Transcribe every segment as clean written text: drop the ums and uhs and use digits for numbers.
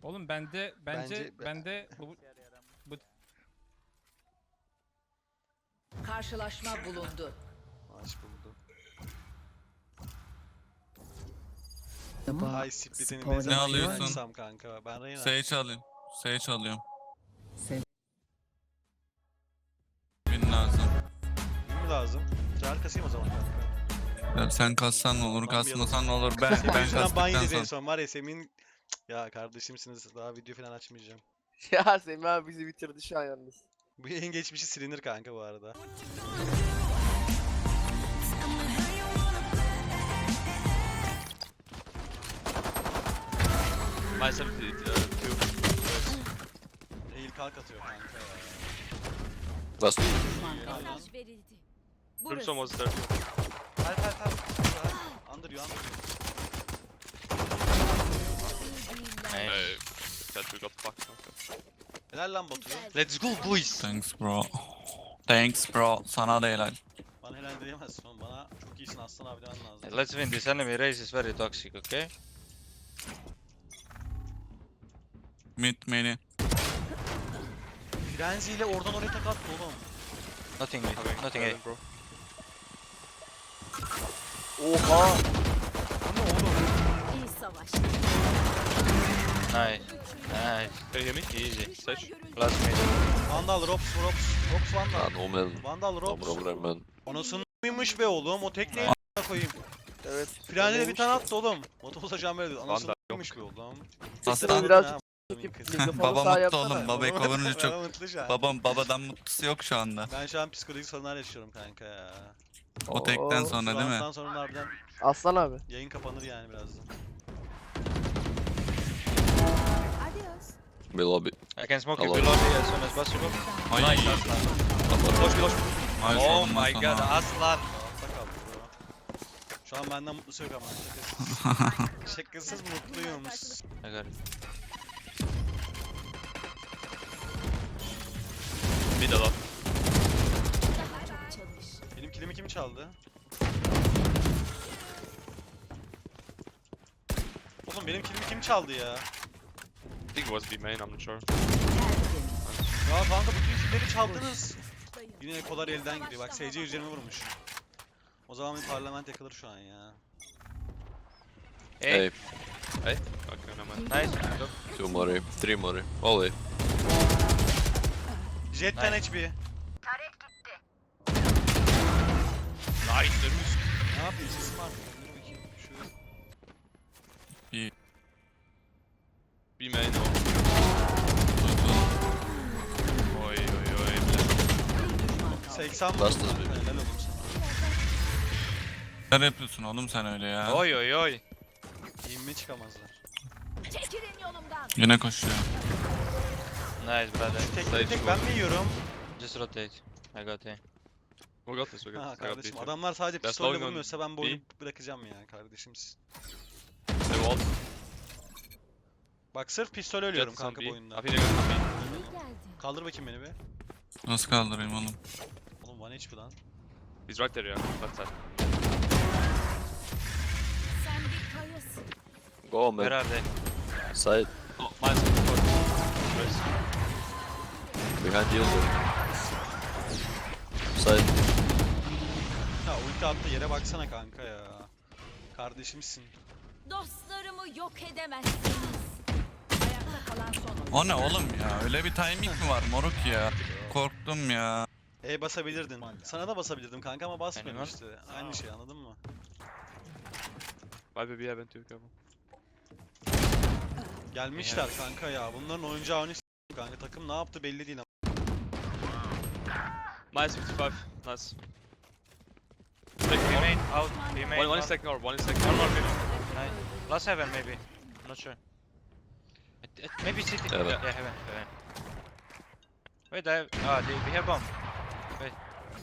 Oğlum bende bu Karşılaşma bulundu. Maç buldu. Acaba Ay split'ini spor ne zaman alıyorsun? açsam kanka. Ben Reyna. Sage alayım. Sage alıyorum. sev- Bin lazım. Kim lazım? Çağır kasayım o zaman kanka. Ya sen kassan ne olur, kasmasan ne olur. Ben Semih yüzünden ban kastıktan yedi en sonra. son var ya Semih'in... Ya kardeşimsiniz daha video falan açmayacağım. Ya Semih abi bizi bitirdi şu an yalnız. Bu yayın geçmişi silinir kanka bu arada. Myself two. Eğil kalk atıyor kanka ya. Last. Mesaj verildi. Brimstone was there too. Help. Under you. That we got fucked. Helal lan Batu. Let's go boys. Thanks bro. Thanks bro. Sana da helal. Bana helal diyemezsin oğlum. Bana çok iyisin Aslan abi demen lazım. Let's win. This enemy race is very toxic, okay? Mid main'i. Frenzy ile oradan oraya tak attı oğlum. Nothing mid, nothing A. Bro. Oha! İyi savaş. Nice. Nice. Can you hear me? Easy. Sage. Last mid. Vandal, Rops Vandal. Ah, no man. Vandal, No Rops. problem man. Anasını mıymış be oğlum, o tekneyi a**ına koyayım. Evet. Frenzy de bir tane attı oğlum. Motobu saçan böyle Vandal anasını yok. mıymış be oğlum. Aslan. biraz Ha, çekip kız. mikrofonu Baba sağa mutlu yapsana. oğlum. Babayı kovunca çok. Ben mutlu şu an. Babadan mutlusu yok şu anda. Ben şu an psikolojik sorunlar yaşıyorum kanka ya. O tekten Oo, sonra değil mi? Ondan sonra harbiden Aslan abi. yayın kapanır yani birazdan. Adios. Be lobby. I can smoke you Hello. below me as soon as possible. Ay. Nice, Aslan. Ay, Oh sorun my lan god, sana. Aslan. Altta kaldı bro. Şu an benden mutlusu yok ama şakasız. Şakasız mutluyum. I got it. Mid a lot. Daha çok çalış. Benim kilimi kim çaldı? Oğlum benim kilimi kim çaldı ya? I think it was B main, I'm not sure. Ya kanka bütün killeri çaldınız. Yine ekolar elden gidiyor. Bak SC üzerime vurmuş. O zaman bir parlament yakılır şu an ya. Hey. Hey, Hey? Okay, never mind. Nice. Look. 2 more, 3 more. All A. Jet 10 HP. Nice, dönmüş. Ne yapayım sesim var mı? Dur bakayım. Şu B main o. Oy oy oy. 80 Last vurdum is kanka, baby. helal olsun sana. Ne yapıyorsun oğlum sen öyle ya? Oy oy oy. Yeminime çıkamazlar. Çekilin yolumdan. Yine koşuyor. Nice, brother. Şu tekleri tek ben mi yiyorum? Just rotate. I got A. We got this, we got Ha this. I got B kardeşim too. adamlar sadece That's pistolle going on vurmuyorsa ben bu oyunu B. bırakacağım ya kardeşimsin. They walled. Bak sırf pistol ölüyorum Jet is on kanka B. bu oyunda. I think they got B. İyi geldi. Kaldır bakayım beni be. Nasıl kaldırayım oğlum? Oğlum 1 HP lan. He's right there, yeah. Left side. Sen bir kayasın. Go Where man. are they? Side. Oh, mine's nice. Behind you. Side. Ya ulti attı yere baksana kanka ya. Kardeşimsin. Dostlarımı yok edemezsiniz. Ayakta kalan son oyuncu. O ne oğlum ya? Öyle bir timing mi var moruk ya? Korktum ya. E basabilirdin. Sana da basabilirdim kanka ama basmıyorum Aynen. işte. Aynı şey anladın mı? Why be heaven too, careful. Gelmişler kanka ya. Bunların oyuncağını s**tim kanka. Takım ne yaptı belli değil ama. Nice 55. Nice. B main out. B main. One is second or one is second. One more B main. Nice. Last heaven maybe. Not sure. Maybe city. Heaven. Yeah, heaven. Heaven. Wait, we have bomb. Wait.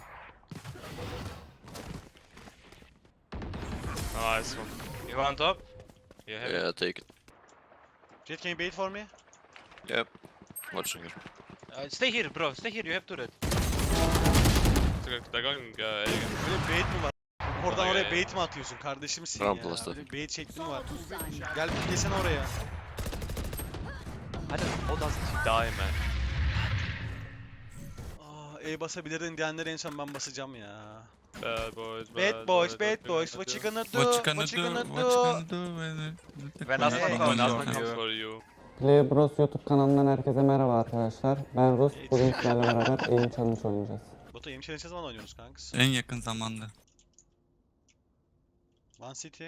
Nice one. You want top? You have it. Yeah, take it. Jet can you bait for me? Yep. Watching it. Stay here, bro. Stay here. You have turret. They're going A again. Böyle bait mi var? Oradan Ay, oraya ay. bait mi atıyorsun kardeşimsin Tamam, ya? Blast'a. Böyle bait şekli mi Son var? 30 saniye. Gel piklesene oraya. How does he die, man? E basabilirdin diyenleri en son ben basacağım ya. Bad boys, Bad boys, bad boys, what you gonna do? What you gonna What you do? gonna What you do? gonna do When when Aslan Hey. comes, Aslan Aslan comes comes. for you. Play Bros YouTube kanalından herkese merhaba arkadaşlar. Ben Rus. Bugün sizlerle beraber Aim Challenge oynayacağız. Batu Aim Challenge'e zaman oynuyorsunuz kanks? En yakın zamanda. One City.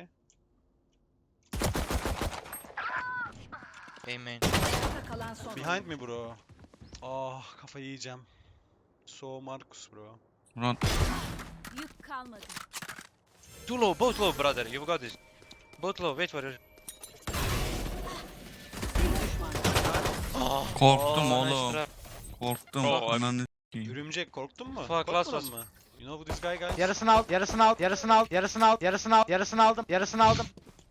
Hey, man. Ayakta kalan son Behind oyuncu. mi bro? Ah kafayı yiyeceğim. So Marcus bro. Rod. Yük kalmadı. Too low, both low, brother. You've got this. Both low, wait for it. Korktum Oh, nice oğlum. trap. Korktum. Oh, Ananı s**eyim. Örümcek korktun mu? Fuck, last Korkmadın was- mı? You know who this guy guys? Yarısını al, yarısını al, yarısını al, yarısını al, yarısını al, yarısını aldım, yarısını aldım.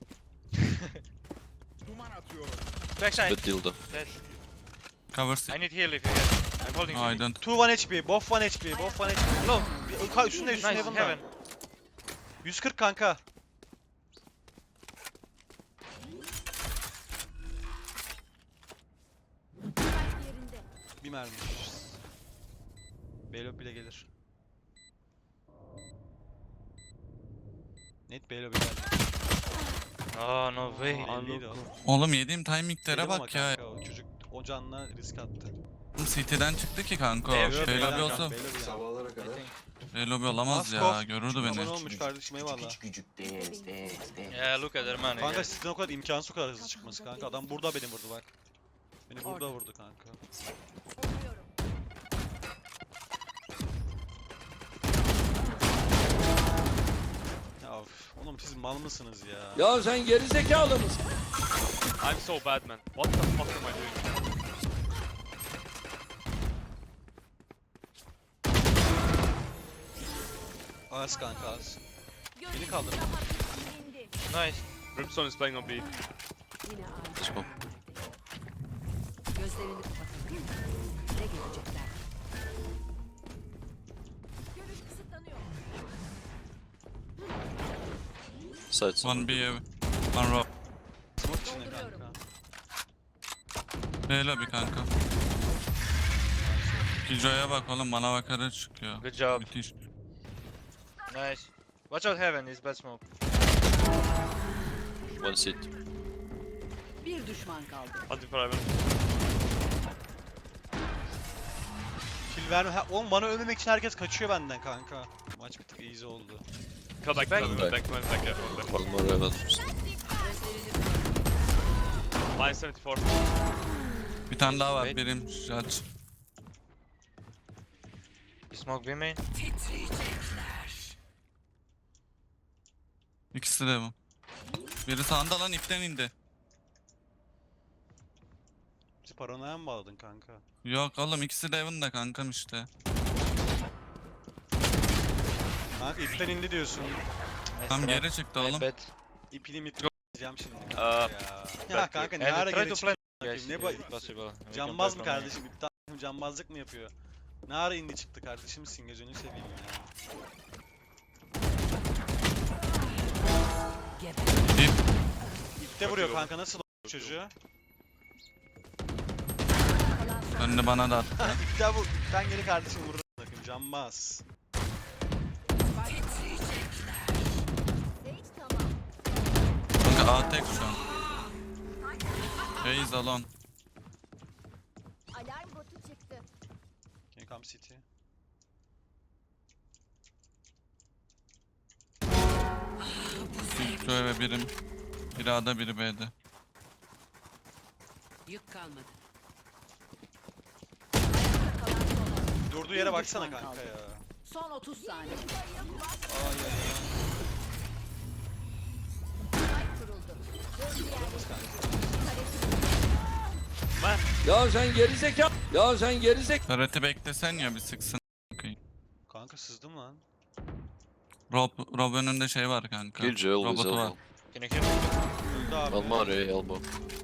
Backside. Good dildo. Dead. Cover s**. I need heal if you get. I'm holding No, I you. don't. 2 1 HP, both 1 HP, both 1 HP. Low. Üstünde Nice, Heaven'da. heaven. 140 kanka. Kalp yerinde. Bir mermi. Beylo bile gelir. Net Beylo bile geldi. Oh, no way. Belliydi o. Oğlum yediğim timinglere Dedim ama bak ya. kanka, o çocuk o canla risk attı. City'den çıktı ki kanka o. Evet, Şey Beylo lobby bile olsa. Beylo bile. Şey lobby olamaz ya. Maskov. Görürdü Aman beni. olmuş kardeşim eyvallah. Yeah, look at their man. Kanka sizden o kadar imkansız o kadar hızlı çıkması kanka. Adam burada beni vurdu bak. Beni burada vurdu kanka. Oluyorum. Ya of, oğlum siz mal mısınız ya? Ya sen geri zekalı mısın? I'm so bad, man. What the fuck am I doing? Az kanka az. Görüşüm kaldırın. daha indi. Nice. Brimstone is playing on B. Let's go. Gözlerini kapatın. Ne görecekler? Görüş kısıtlanıyor. Side. One B, one row. Smoke içinde Dolduruyorum. kanka. Şey lobby kanka. Killjoy'a bak oğlum bana bakarak çıkıyor. Good job. Müthiş. Nice. Watch out heaven, is bad smoke. One seat. Bir düşman kaldı. Anti private. Kill verme. Ha, oğlum bana ölmemek için herkes kaçıyor benden kanka. Maç bir tık easy oldu. Come back, Back. back, back, back, back, back. One more heaven. Line 74. Bir tane daha var Wait. birim judge. You smoke B main? İkisi de bu. Biri sağında lan ipten indi. Bizi paranoya mı bağladın kanka? Yok oğlum ikisi de Evan'da kankam işte. Kanka ipten indi diyorsun. Tam geri çıktı oğlum. Bad. İpini mit diyeceğim şimdi. kanka ya. Ya kanka ne And ara try geri to çıktı? play. Guys, Ne if bu possible. We can cambaz play mı from main. kardeşim? İptal cambazlık mı yapıyor? Ne ara indi çıktı kardeşimsin gözünü seveyim ya. İp. İpte vuruyor kanka nasıl o çocuğu? Önünü bana da attı. İpten vur. İpten geri kardeşim vurur. Bakın cambaz. Sage tamam. Kanka A tek şu an. Raze alone. Alarm botu çıktı. Can you come city? Şu eve birim. Biri A'da biri B'de. Yük kalmadı. Durduğu yere baksana kanka ya. Son 30 saniye. Ya sen geri zekalı. Ya sen geri zekalı. Turret'i beklesen ya bir sıksın. Kanka sızdım lan. Rob önünde şey var kanka. Killjoy always Robotu var. elbow. Can you heal me? Öldü abi. One more A elbow.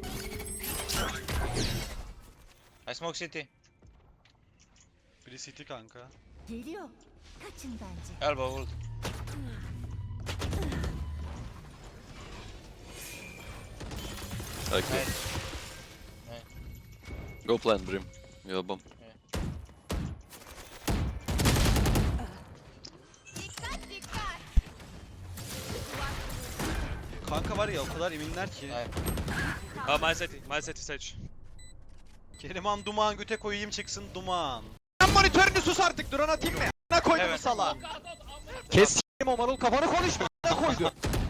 I smoke city. Biri city kanka. Geliyor. Kaçın bence. Elbow ult. Okay. Nice. Go plant Brim. You have bomb. Kanka var ya o kadar eminler ki. My city stage. Keriman duman göte koyayım çıksın duman. Sen monitörünü sus artık, drone atayım mı? Ne koydun Evet. sala? Kes s**eyim o marul, kafanı konuşma. Ne koydun?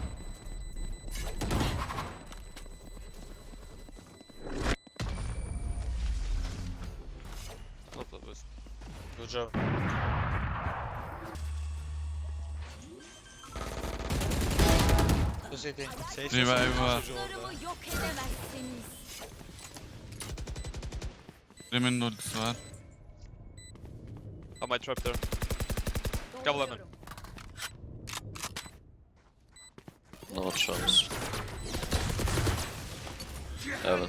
Top of us. Good job. Two city. Revive var. Dostlarımı yok edemezsiniz. Brim'in de ultisi var. I might trap there. Double lemon. No chance. Heaven.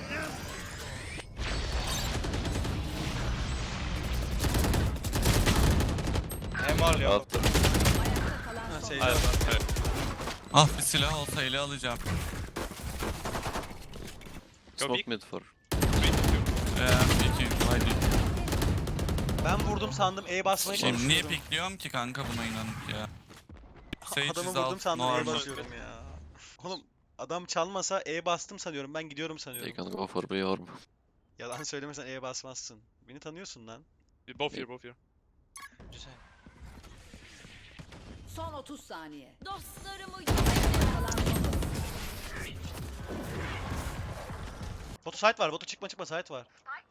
I'm all yo. After. Ayakta kalan Ha, son. şey, Ah bir silah olsa ele alacağım. Go Smoke peek. mid for. 3, 2. İki. Haydi. ben vurdum sandım E basmaya Şimdi niye çalışıyorum. pikliyorum ki kanka buna inanıp ya. Sage Adamı is vurdum out, sandım E normal. basıyorum ya. Oğlum adam çalmasa E bastım sanıyorum ben gidiyorum They sanıyorum. can go for B orb. Yalan söylemesen E basmazsın. Beni tanıyorsun lan. Both here, both here. Just saying. Son 30 saniye. Dostlarımı yok edemezsiniz. Kalan son. Botu site var, botu çıkma site var.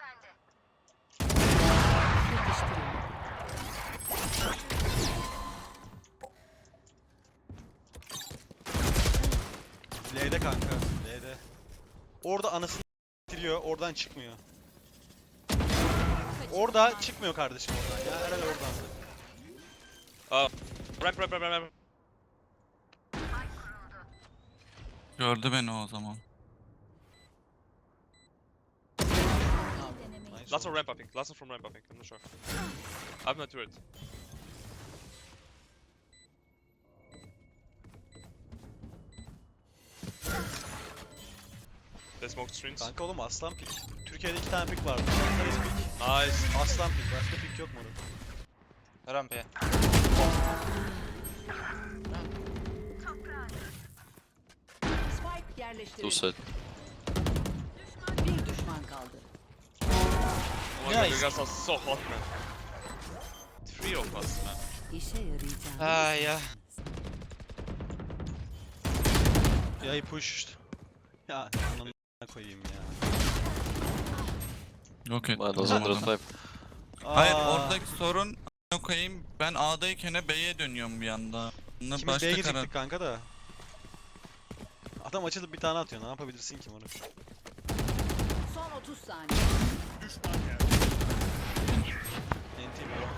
L'de kanka, L'de. Orada anasını bitiriyor, oradan çıkmıyor. Orada çıkmıyor kardeşim oradan ya, herhalde oradan. Ramp. Gördü beni o zaman. Nice Last oldu. one ramp, I think. Last one from ramp, I think. I'm not sure. I have no turret. They smoked screens. Kanka oğlum aslan pik. Türkiye'de 2 tane pik vardı. Sarısı pik. Nice. Aslan pik, başka pik yok mu? Ramp here. Spike Two yerleştirildi. side. Bir düşman kaldı. Oh my god, you guys are so hot, man. 3 of us, man. İşe yarayacağım. Ah, yeah. Yay pushed. Ya ananı koyayım ya. Yok et. Minus Vuramadım. 105. Hayır Aa, oradaki sorun a**ına koyayım ben A'dayken B'ye dönüyorum bir anda. Bunda İkimiz başka B'ye karar. gidecektik kanka da. Adam açılıp bir tane atıyor, ne yapabilirsin ki bunu? Son 30 saniye. NT bro.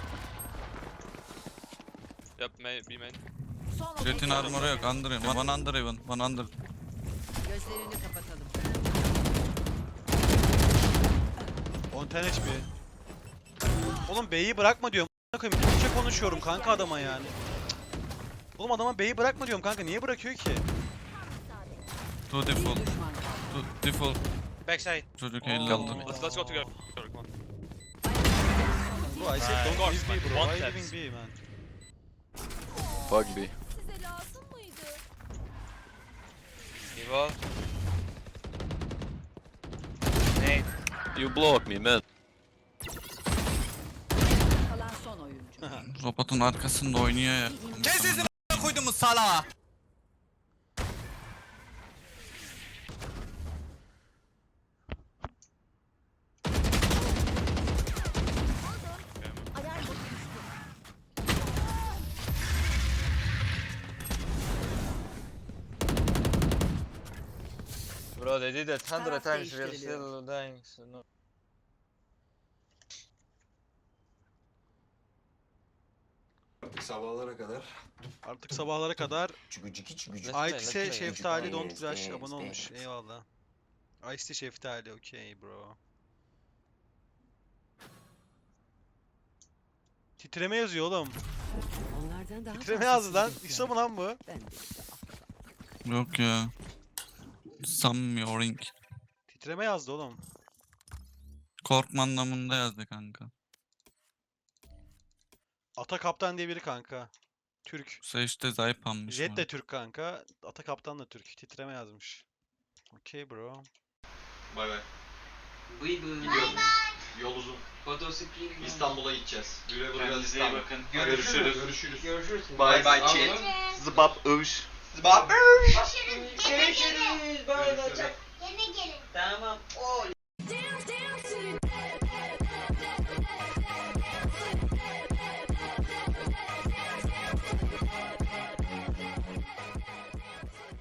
Yep, B main. Son 30 Jet'in saniye. armoru yok. Under even. One under even. One under. Gözlerini kapatalım. 10 tane HP. Oğlum B'yi bırakma diyorum. A**ına koyayım. Türkçe konuşuyorum kanka adama yani. Oğlum adama B'yi bırakma diyorum kanka, niye bırakıyor ki? Two Bir default. düşman kaldı. Two default. Backside. Çocuk Oo. elle aldı. Let's go together. Come on. Bro I said don't Guards, leave B man. bro, One why taps. leaving B man? Fuck B. Size lazım mıydı? Evil. Nade. You block me, man. Kalan son oyuncu. Robotun arkasında oynuyor ya. Kes sesini koyduğumuz sala. Bro, they did it 100 Taraf times. We are değiştiriliyor. still dying. So no. Sabahlara kadar. Artık sabahlara kadar Çükücükü çükücük. Aytise Let's play. Şeftali Don't Dance, Flash dance, abone olmuş. dance. Eyvallah. Aytise Şeftali okey bro. Titreme yazıyor oğlum. Onlardan daha Titreme fazlasını yazdı lan. bekliyorum. İso mu lan bu? Ben de işte Yok ya. Sanmıyorum. Titreme yazdı oğlum. Korkma anlamında yazdı kanka. Ata Kaptan diye biri kanka. Türk. Sage de zayıf almış. Jet de Türk kanka. Ata Kaptan da Türk. Titreme yazmış. Okey bro. Bay bay. Yol uzun. İstanbul'a gideceğiz. Güle güle İstanbul. Görüşürüz. Görüşürüz. Bay bay chat. Zıbap övüş. Zıbap övüş. Görüşürüz. Görüşürüz. Yine gelin. Tamam.